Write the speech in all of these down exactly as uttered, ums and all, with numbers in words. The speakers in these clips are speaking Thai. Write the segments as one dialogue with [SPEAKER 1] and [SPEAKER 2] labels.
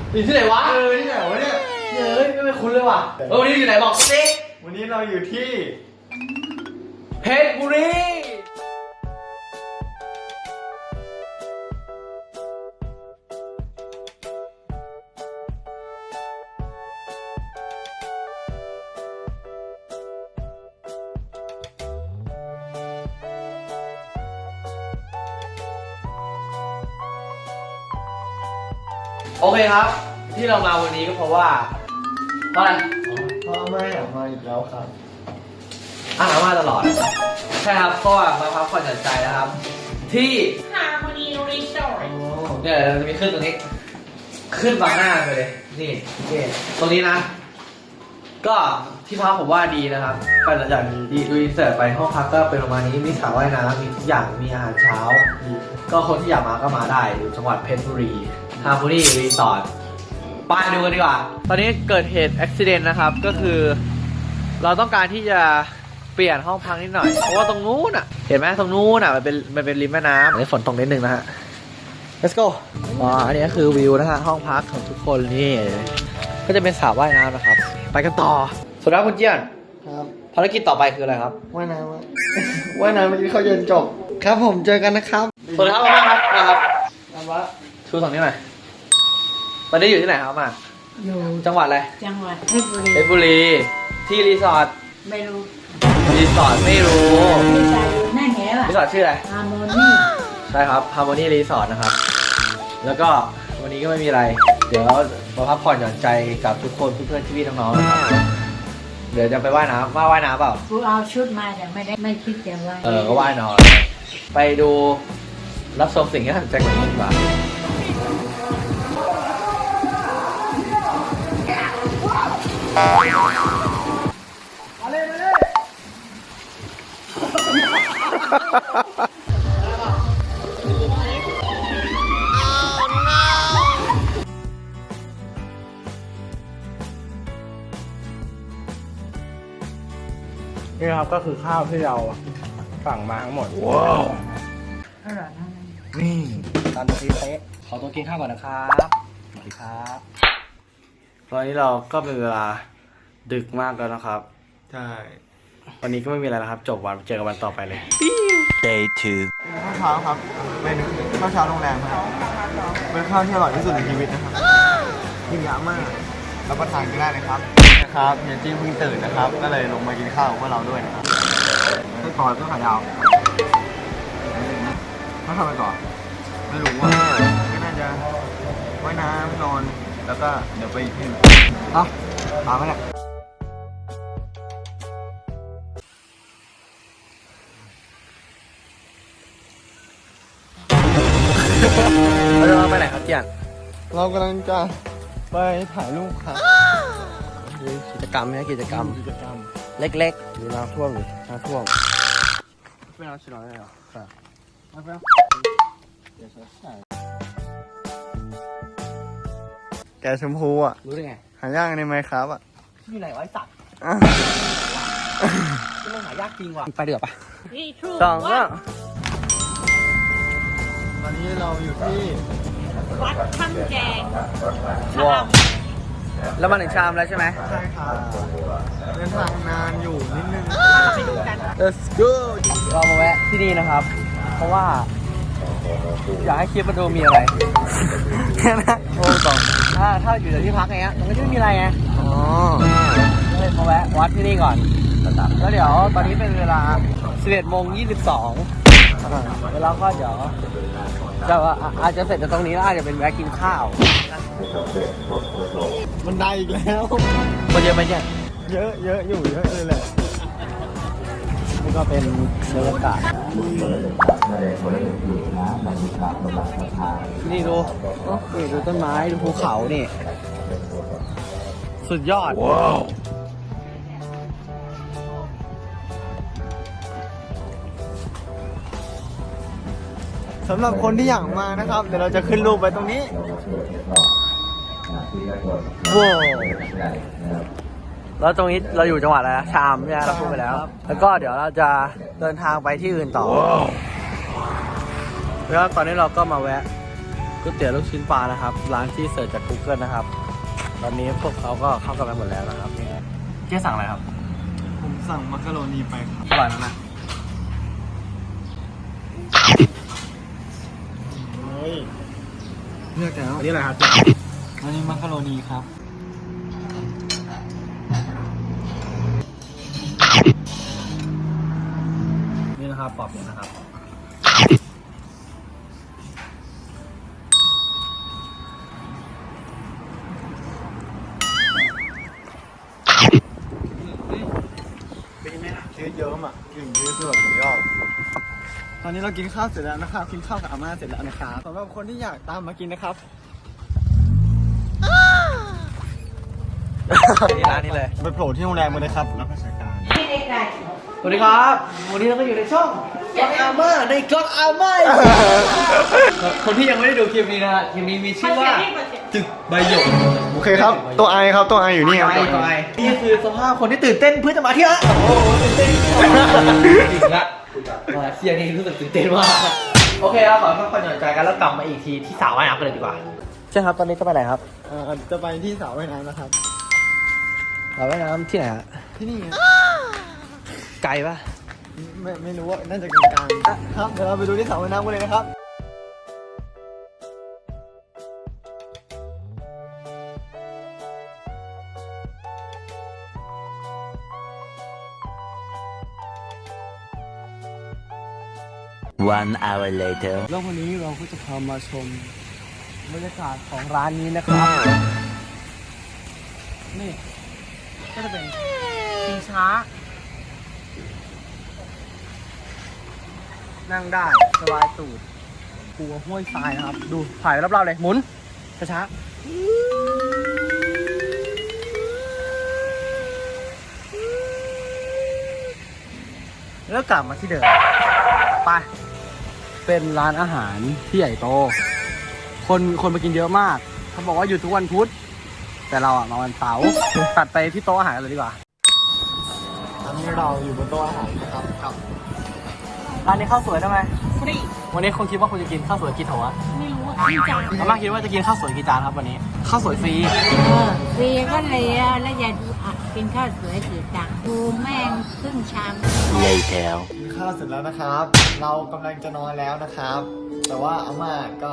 [SPEAKER 1] อยู่ที่ไหนวะ
[SPEAKER 2] เออที่ไหนวะเนี่ย
[SPEAKER 1] เฮ้ยไม่คุ้นเลยว่ะเออวันนี้อยู่ไหนบอกสิ
[SPEAKER 2] วันนี้เราอยู่ที่
[SPEAKER 1] เพชรบุรีโอเคครับที่เรามาวันนี้ก็เพราะว่าเพราะอะไร
[SPEAKER 2] พ่อไม่อยากมาอีกแล้วครับ
[SPEAKER 1] อ่านมาตลอดใช่ครับก็มาพักผ่อนหย่อนใจนะครับ ที่
[SPEAKER 3] Harmony Resort
[SPEAKER 1] เนี่ยเราจะมีขึ้นตรงนี้ ขึ้นบางหน้าไปเลยนี่นี่ตรงนี้นะ ก็ที่พักผมว่าดีนะครับไปหลังจากดีดูอินเสิร์ตไปห้องพักก็เป็นประมาณนี้มีสระว่ายน้ำมีทุกอย่างมีอาหารเช้า ก็คนที่อยากมาก็มาได้อยู่จังหวัดเพชรบุรีฮาร์โมนีรีสอร์ทไปดูกันดีกว่าตอนนี้เกิดเหตุอุบัติเหตุนะครับก็คือเราต้องการที่จะเปลี่ยนห้องพักนิดหน่อยเพราะว่าตรงนู้นอ่ะเห็นไหมตรงนู้นอ่ะมันเป็นมันเป็นริมแม่น้ำอันนี้ฝนตกนิดนึงนะฮะ let's go อ๋ออันนี้ก็คือวิวนะฮะห้องพักของทุกคนนี่ก็จะเป็นสระว่ายน้ำนะครับไปกันต่อสวัสดีครับคุณเจียน
[SPEAKER 2] ครับ
[SPEAKER 1] ภารกิจต่อไปคืออะไรครับ
[SPEAKER 2] ว่ายน้ำว่ายน้ำเมื่อกี้เขาเย็นจบครับผมเจอกันนะครับ
[SPEAKER 1] สวัสดีครับมาครับมาครับมาว่าชูสองนิ้วหน่อยตอนนี้อยู่ที่ไหนครับมา
[SPEAKER 3] อยู่
[SPEAKER 1] จังหวัดอะไร
[SPEAKER 3] จังหวัดเพชรบุรี
[SPEAKER 1] เพชรบุรีที่รีสอร์ท
[SPEAKER 3] ไม่รู้
[SPEAKER 1] รีสอร์ทไม่รู้
[SPEAKER 3] รีสอร์ทอยู่หน้าแหว
[SPEAKER 1] รีสอร์ทชื่ออะไร
[SPEAKER 3] Harmony
[SPEAKER 1] ใช่ครับ Harmony Resort นะครับแล้วก็วันนี้ก็ไม่มีอะไรเดี๋ยวมาพักผ่อนหย่อนใจกับทุกคนเพื่อนๆพี่ๆน้องๆนะครับเดี๋ยวจะไปว่ายน้ำว่าว่ายน้ำเปล่า
[SPEAKER 3] กูเอาชุดมาแต่ไม่ได้ไม่คิดจะว่าย
[SPEAKER 1] เออก็ว่ายนอนไปดูรับชมสิ่งที่น่าสนใจกว่านี้ดีกว่ามาเลยมาเลย
[SPEAKER 2] นี่ครับก็คือข้าวที่เราสั่งมาทั้งหมด
[SPEAKER 1] ว้าว
[SPEAKER 3] อร่อยมาก
[SPEAKER 1] นี่ตามที่เป๊ะขอตัวกินข้าวก่อนนะครับสวัสดีครับตอนนี้เราก็เป็นเวลาดึกมากแล้วนะครับ
[SPEAKER 2] ใช่
[SPEAKER 1] วันนี้ก็ไม่มีอะไรนะครับจบวันเจอกันวันต่อไปเลย
[SPEAKER 4] day two
[SPEAKER 2] ข้าวเช้าครับเป็นข้าวเช้าโรงแรมครับเป็นข้าวที่อร่อยที่สุดในชีวิตนะครับยิ่งยาวมากรับประทานกันได้นะครับนะครับเฮียจี้เพิ่งตื่นนะครับก็เลยลงมากินข้าวกับพวกเราด้วยนะครับให้ต่อก็ขายาวเขาทำไปต่อไม่รู้ว่าก็น่าจะว่ายน้ำนอนแล้วก็เดี๋ยวไปอีกที่อ่ะตามมาเนี่ย
[SPEAKER 1] เราจะไปไหนครับเจียน
[SPEAKER 2] เรากำลังจะไปถ่ายรูปครับ
[SPEAKER 1] กิจกรรมไหมกิจกรรม
[SPEAKER 2] กิจกรรม
[SPEAKER 1] เล็ก
[SPEAKER 2] ๆดูน้ำท่วมหรือน้ำท่วมไม่น้ำชิลล์ได้หรอครับไม่เป็นเดี๋ยวใส่แกชมพูอ่ะ
[SPEAKER 1] รู้ได้ไง
[SPEAKER 2] หายากในไมค์ครับอ่ะ
[SPEAKER 1] อยู่ไหนไว้สัตว์จะไม่หายากจริงว่ะไปเดือบปะ
[SPEAKER 3] สองอ่ะ
[SPEAKER 2] ตอนนี้เราอยู่ที่
[SPEAKER 3] วัดถ้ำแกงชาม
[SPEAKER 1] แล้วมาถึงชามแล้วใช่ไหม
[SPEAKER 2] ใช่ค่ะเดินทางนานอยู่นิดนึง
[SPEAKER 3] ไปดูกัน
[SPEAKER 2] let's go
[SPEAKER 1] เรามาแวะที่นี่นะครับเพราะว่าอยากให้คลิปมาดูมีอะไร
[SPEAKER 2] แค่นั้น
[SPEAKER 1] โอ้ต่อถ้าถ้าอยู่ในที่พักไงฮะมันก็จะไม่มีอะไรไง
[SPEAKER 2] อ๋อ
[SPEAKER 1] เลยมาแวะวัดที่นี่ก่อนแล้วเดี๋ยวตอนนี้เป็นเวลาสิบเอ็ดโมงยี่สิบสองแล้วก็เดี๋ยวจะอาจจะเสร็จจากตรงนี้แล้วอาจจะเป็นแวะกินข้าว
[SPEAKER 2] มันได้อีกแล้ว
[SPEAKER 1] คนเยอะไหมเนี่ย
[SPEAKER 2] เยอะเยอะอยู่เยอะเลยแหละ
[SPEAKER 1] นี่ก็เป็นบรรยากาศนี่ดูนี่ดูต้นไม้ดูภูเขานี่สุดยอดว้าว
[SPEAKER 2] สำหรับคนที่อยากมานะครับเดี๋ยวเราจะขึ้นรูปไว้ตรงนี้
[SPEAKER 1] ว้าวแล้วตรงนี้เราอยู่จังหวัดอะไรนะชามเนี่ยเราพูดไปแล้วแล้วก็เดี๋ยวเราจะเดินทางไปที่อื่นต่อแล้วตอนนี้เราก็มาแวะก๋ก๋วยเตี๋ยวลูกชิ้นปลานะครับร้านที่เสิร์ชจาก Google นะครับตอนนี้พวกเขาก็เข้ากันไปหมดแล้วนะครับเจ๊สั่งอะไรครับ
[SPEAKER 2] ผมสั่งมักกะโรนีไปครับ
[SPEAKER 1] อร่อยนะนะ
[SPEAKER 2] เฮ้ยเลือกแล้ว
[SPEAKER 1] อันนี้อะไรครับ
[SPEAKER 2] อันนี้มักกะโรนีครับ
[SPEAKER 1] นี่นะครับปอบเลยนะครับเป็นยังไงล่ะ
[SPEAKER 2] ยืดเยิ้มอ่ะกลิ่นยืดคือแบบสุดยอดตอนนี้เรากินข้าวเสร็จแล้วนะครับ กินข้าวกับอาม่าเสร็จแล้วนะครับสำหรับคนที่อยากตามมากินนะครับ
[SPEAKER 1] นี่ร้านนี้เลย
[SPEAKER 2] ไปโผล่ที่โรงแรมมาเลยครับรับราชการ
[SPEAKER 1] สวัสดีครับวันนี้เราก็อยู่ในช่องก็อดอาม่าในก็อดอาม่าคนที่ยังไม่ได้ดูคลิปนี้นะฮะคลิปนี้มีชื่อว่าจึกใบหยก
[SPEAKER 2] โอเคครับ ตัวไอครับ ตัวไออยู่นี่ครับ
[SPEAKER 1] ไอตัวไอนี่คือสภาพคนที่ตื่นเต้นเพื่อจะมาเที่ยวโอ้โหตื่นเต้นจริงละมาเที่ยวนี่รู้สึกตื่นเต้นมากโอเคเราขอพักผ่อนหย่อนใจกันแล้วกลับมาอีกทีที่สระว่ายน้ำกันเลยดีกว่าใช่ครับตอนนี้จะไปไหนครับ
[SPEAKER 2] เอ่อจะไปที่สระว่ายน้ำนะครับ
[SPEAKER 1] สระว่ายน้ำที่ไหนฮะ
[SPEAKER 2] ที่นี่ไง
[SPEAKER 1] ไกลปะ
[SPEAKER 2] ไม่ไม่รู้ว่าน่าจะกลางๆครับ เดี๋ยวเราไปดูที่สระว่ายน้ำกันเลยนะครับ
[SPEAKER 4] One hour later
[SPEAKER 1] แล้ววันนี้เราก็จะพามาชมบรรยากาศของร้านนี้นะครับ นี่ก็จะเป็นชิงช้า นั่งได้สบายตูดกลัวห้วยทรายนะครับ ดูถ่ายรอบๆเลย หมุน ช้าๆแล้วกลับมาที่เดิมไป เป็นร้านอาหารที่ใหญ่โต คนคนมากินเยอะมาก เขาบอกว่าอยู่ทุกวันพุธ แต่เราอ่ะมาวันเสาร์ ตัดไปที่โต๊ะอาหารกันเลยดีกว่า
[SPEAKER 2] ตอนนี้เราอยู่บนโต๊ะอาหารนะครับกับ
[SPEAKER 1] ร้านนี้ข้าวสวยได้ไหม
[SPEAKER 3] ฟรี
[SPEAKER 1] วันนี้คุณคิดว่าคุณจะกินข้าวสวยกี่โถอะ
[SPEAKER 3] ไม่รู้ว่ากี่จาน
[SPEAKER 1] อาม่าคิดว่าจะกินข้าวสวยกี่จานครับวันนี้ ข้าวสวยฟรี
[SPEAKER 3] เออฟรีก็เลยอะแล้วอย่าดูอ่ะกินข้าวสวยกี่จานดูแม่งครึ่งชาม
[SPEAKER 4] later
[SPEAKER 2] กินข้าวเสร็จแล้วนะครับ เรากำลังจะนอนแล้วนะครับ แต่ว่าอาม่าก็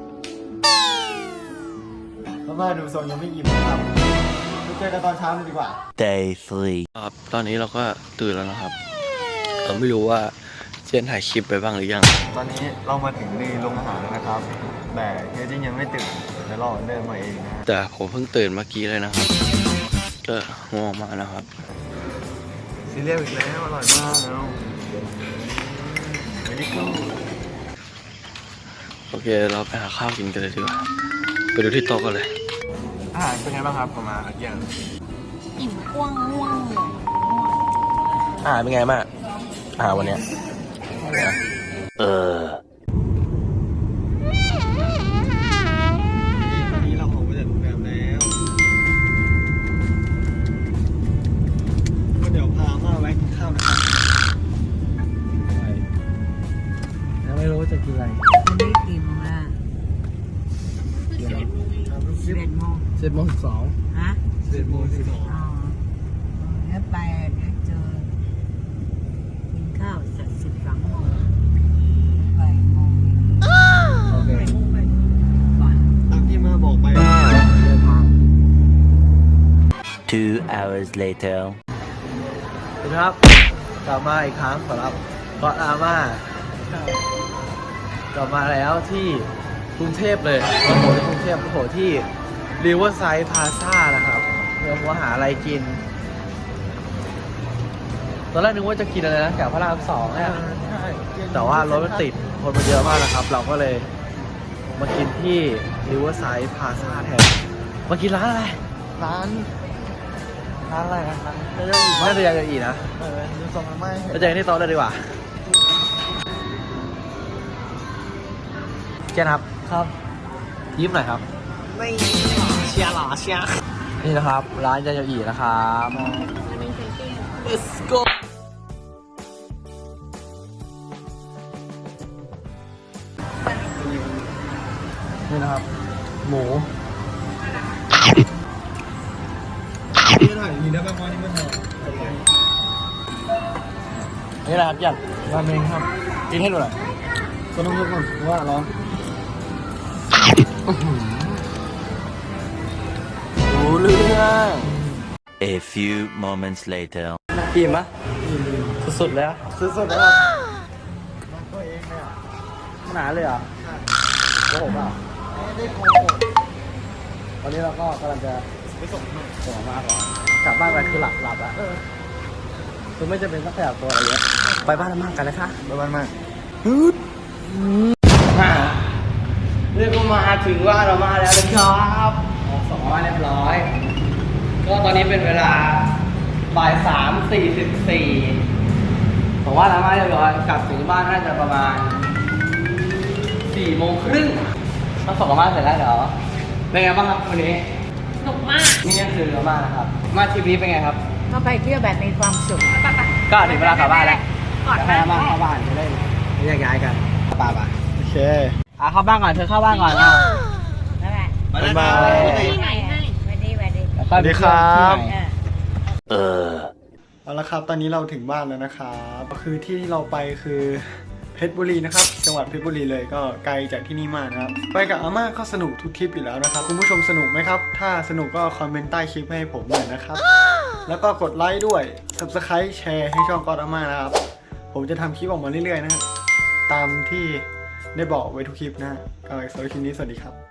[SPEAKER 2] อาม่าดูทรงยังไม่อิ่มนะครับไปเจอกันตอนเช้าเลยดีกว่า
[SPEAKER 4] day three
[SPEAKER 5] ครับตอนนี้เราก็ตื่นแล้วนะครับเราไม่รู้ว่าเจนถ่ายคลิปไปบ้างหรือยัง
[SPEAKER 2] ตอนนี้เรามาถึงในโรงอาหารแล้วนะครับ แต่เฮดดิ้งยังไม่ตื่นเดี๋ยวรอเดินมาเองนะฮะ
[SPEAKER 5] แต่ผมเพิ่งตื่นเมื่อกี้เลยนะครับ ก็ง่วงมากนะครับ
[SPEAKER 2] ซีเรียลอีกแล้วอร่อยมากแล้วไม่ได้กู
[SPEAKER 5] โอเคเราไปหาข้าวกินกันเลยดีกว่าไปดูที่โต๊ะกันเลย
[SPEAKER 2] อาหารเป็นไงบ้างครับประมาณอย่าง
[SPEAKER 3] อิ่มกว้างง่วงเลย
[SPEAKER 5] อาหารเป็นไงมากอาหารวันเนี้ย
[SPEAKER 4] เออ
[SPEAKER 2] ตอนนี้เราออกมาจากโรงแรมแล้วก็เดี๋ยวพามาแวะกินข้าวนะครับ
[SPEAKER 1] ยังไม่รู้ว่าจะกินอะไร
[SPEAKER 3] วันนี้กี่โมงละสิบเอ็ดโมง
[SPEAKER 1] เจ็ดโมงสิบสอง
[SPEAKER 3] ฮะ
[SPEAKER 2] สิบเอ็ดโมงสิบสอง
[SPEAKER 3] อ๋อแล้วไปเดี๋ยวเจอกินข้าวสักสิบสองโมงบ่ายโมง
[SPEAKER 1] โอเค
[SPEAKER 3] ก่อน
[SPEAKER 2] ตามที่มาบอกไป
[SPEAKER 1] เดินทาง
[SPEAKER 4] two hours later
[SPEAKER 1] สวัสดีครับ กลับมาอีกครั้งสำหรับก็อดอาม่า กลับมาแล้วที่กรุงเทพเลยมาโผล่ที่กรุงเทพมาโผล่ที่ Riverside Plaza นะครับเพื่อว่าหาอะไรกิน ตอนแรกนึกว่าจะกินอะไรนะแถวพระรามสองเนี่ย
[SPEAKER 2] ใช่
[SPEAKER 1] แต่ว่ารถมันติด คนมันเยอะมากนะครับ เราก็เลยมากินที่ Riverside Plaza แทน มากินร้านอะไร
[SPEAKER 2] ร้าน ร้านอะไรนะร้านเรียก
[SPEAKER 1] น่าจะยังจะอีกนะ
[SPEAKER 2] เออดูทรงมันไม่
[SPEAKER 1] ไปเจอกันที่โต๊ะเลยดีกว่า เจนครับ
[SPEAKER 2] ครับ
[SPEAKER 1] ยิ้มหน่อยครับ
[SPEAKER 2] ไม่เชียร์หรอเชียร์
[SPEAKER 1] นี่นะครับ ร้านยาโยอีนะครับ Let's go
[SPEAKER 2] อนี่นะครับ หมูนี่ถ่ายอย่างนี้ได้บ้างว่านี่ไม่ถ่ายนี่แหละครับยัดราเมงครับกินให้ดูหน่อยก็ต้องยกก่อนเพราะว่าร้อนรู้เรื่อง
[SPEAKER 4] A few moments later.
[SPEAKER 1] อิ่มปะสุดๆเลยอะ
[SPEAKER 2] สุดๆแล้วครับมันตัวเองเนี่ย
[SPEAKER 1] หนาเลยเหรอโกหกเปล่า
[SPEAKER 2] ไม่ได้โกหก
[SPEAKER 1] ตอนนี้เราก็กำลังจะ
[SPEAKER 2] ไปส่งให้
[SPEAKER 1] ส่งมากกว่ากลับบ้านไปคือหลับหลับแล้วคือไม่จำเป็นต้องขยับตัวอะไรเยอะไปบ้านอาม่ากันเลยค่ะ
[SPEAKER 2] บ๊ายบายมาก
[SPEAKER 1] เรียกว่ามาถึงบ้านอาม่าแล้วนะครับออกสองมาเรียบร้อย ก็ตอนนี้เป็นเวลาบ่ายสามสี่สิบสี่ผมว่าอาม่าเรียบร้อยกลับถึงบ้านน่าจะประมาณสี่โมงครึ่งต้องส่งอาม่าเสร็จแล้วเดี๋ยวเป็นไงบ้างครับวันนี้
[SPEAKER 3] สนุกมาก
[SPEAKER 1] นี่ก็คืออาม่านะครับ มาทริปนี้เป็นไงครับ
[SPEAKER 3] ก็ไปเที่ยวแบบมีความสุข
[SPEAKER 1] ก็ถึงเวลากลับบ้านแล้ว
[SPEAKER 3] ก่อน
[SPEAKER 1] ให้อาม่าเข้าบ้านจะได้แยกย้ายกันป่าป่ะ
[SPEAKER 2] โอเค
[SPEAKER 1] อ่ะเข้าบ้านก่อนเธอเข้าบ้านก่อนอ่ะ
[SPEAKER 3] นั่นแหละ
[SPEAKER 2] บ๊ายบาย
[SPEAKER 3] ที่ไหนให้สวัสดีสวัสดี
[SPEAKER 1] แล้วค่อยไปเที่ยวที่ไหน
[SPEAKER 3] เออ
[SPEAKER 4] Uh.
[SPEAKER 2] เอาละครับ ตอนนี้เราถึงบ้านแล้วนะครับคือที่ที่เราไปคือเพชรบุรีนะครับ จังหวัดเพชรบุรีเลยก็ไกลจากที่นี่มากนะครับ ไปกับอาม่าก็สนุกทุกทริปอยู่แล้วนะครับ คุณผู้ชมสนุกไหมครับ ถ้าสนุกก็คอมเมนต์ใต้คลิปให้ผมหน่อยนะครับ แล้วก็กดไลค์ด้วย Subscribe แชร์ให้ช่องกอดอาม่านะครับ ผมจะทำคลิปออกมาเรื่อยๆนะฮะตามที่ได้บอกไว้ทุกคลิปนะฮะก็สำหรับคลิปนี้สวัสดีครับ